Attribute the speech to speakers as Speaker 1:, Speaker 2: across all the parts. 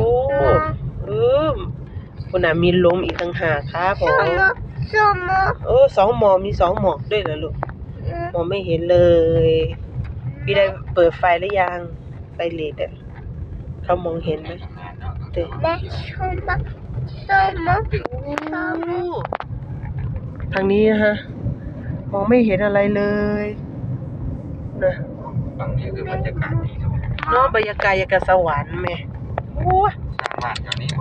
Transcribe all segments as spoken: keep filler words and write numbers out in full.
Speaker 1: เออคุณน่ะมีลมอีกต่างหากครับผม
Speaker 2: สมมอ
Speaker 1: เออสองหมอมีสองหมอกด้วยเหรอลูกมองไม่เห็นเลย พี่ได้เปิดไฟหรือยังไฟเลดอ่ะเขามองเห็นไหมเด็ก
Speaker 2: แม่สมมอสมมอสมมอ
Speaker 1: ทางนี้นะฮะมองไม่เห็นอะไรเลยนะ
Speaker 3: ฝั่งนี้คือบรรยากาศดีครับ
Speaker 1: เนาะบรรยากาศอย่างกับสวรรค์แม่โอ้ย
Speaker 3: สร้างบ้านแถวนี้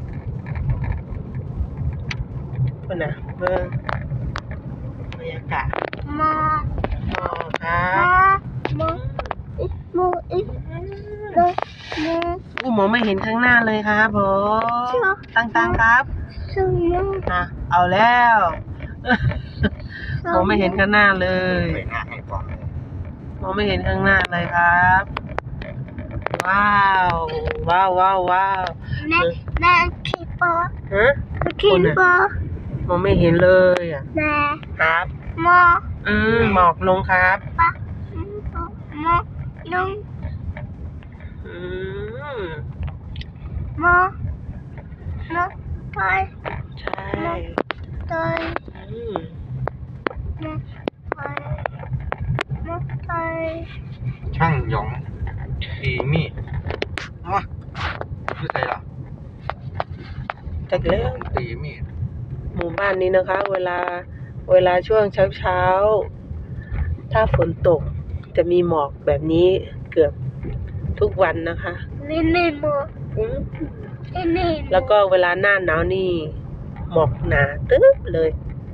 Speaker 1: คุณน่ะเบิ่งบรรยากาศ
Speaker 2: มอ
Speaker 1: หมอกครั
Speaker 2: ม
Speaker 1: บ
Speaker 2: ออีมออีโดมอ
Speaker 1: อู้มองไม่เห็นข้างหน้าเลยครับผมตั้งๆครับ
Speaker 2: สมมอ
Speaker 1: นะเอาแล้วมองไม่เห็นข้างหน้าเลย
Speaker 3: ไปหน้าให้ฟัง
Speaker 1: มองไม่เห็นข้างหน้าเลยครับ ว้าวว้าวว้าวว้าว
Speaker 2: แม่แม่คิดปอ
Speaker 1: ฮะ
Speaker 2: คิดปอ
Speaker 1: มองไม่เห็นเลยอ่ะ
Speaker 2: แม่
Speaker 1: ครับ
Speaker 2: มอ
Speaker 1: อืมหมอกลงครับ
Speaker 2: ปะมอลง
Speaker 1: อืม
Speaker 2: มอมอไป
Speaker 1: ใช่
Speaker 2: ไป
Speaker 1: อืม
Speaker 2: มอไปมอไป
Speaker 3: ช่างหยองตีมีดมาคือใครล่ะ
Speaker 1: จากเรื่อง
Speaker 3: ตีมีด
Speaker 1: หมู่บ้านนี้นะคะ เวลาเวลาช่วงเช้าเช้าๆถ้าฝนตกจะมีหมอกแบบนี้เกือบทุกวันนะคะ
Speaker 2: นี่นี่มอ
Speaker 1: อืม
Speaker 2: นี่นี่
Speaker 1: แล้วก็เวลาหน้าหนาวนี่หมอกหนาตึ๊บเลย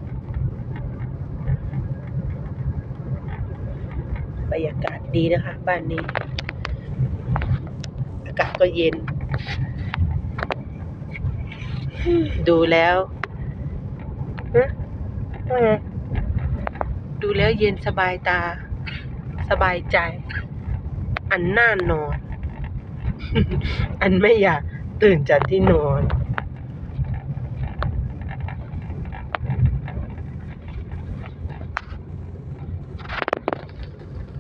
Speaker 1: บรรยากาศดีนะคะ บ้านนี้ อากาศก็เย็น ดูแล้วฮะว่าไงดูแล้วเย็นสบายตา สบายใจ อันน่านอน อันไม่อยากตื่นจากที่นอน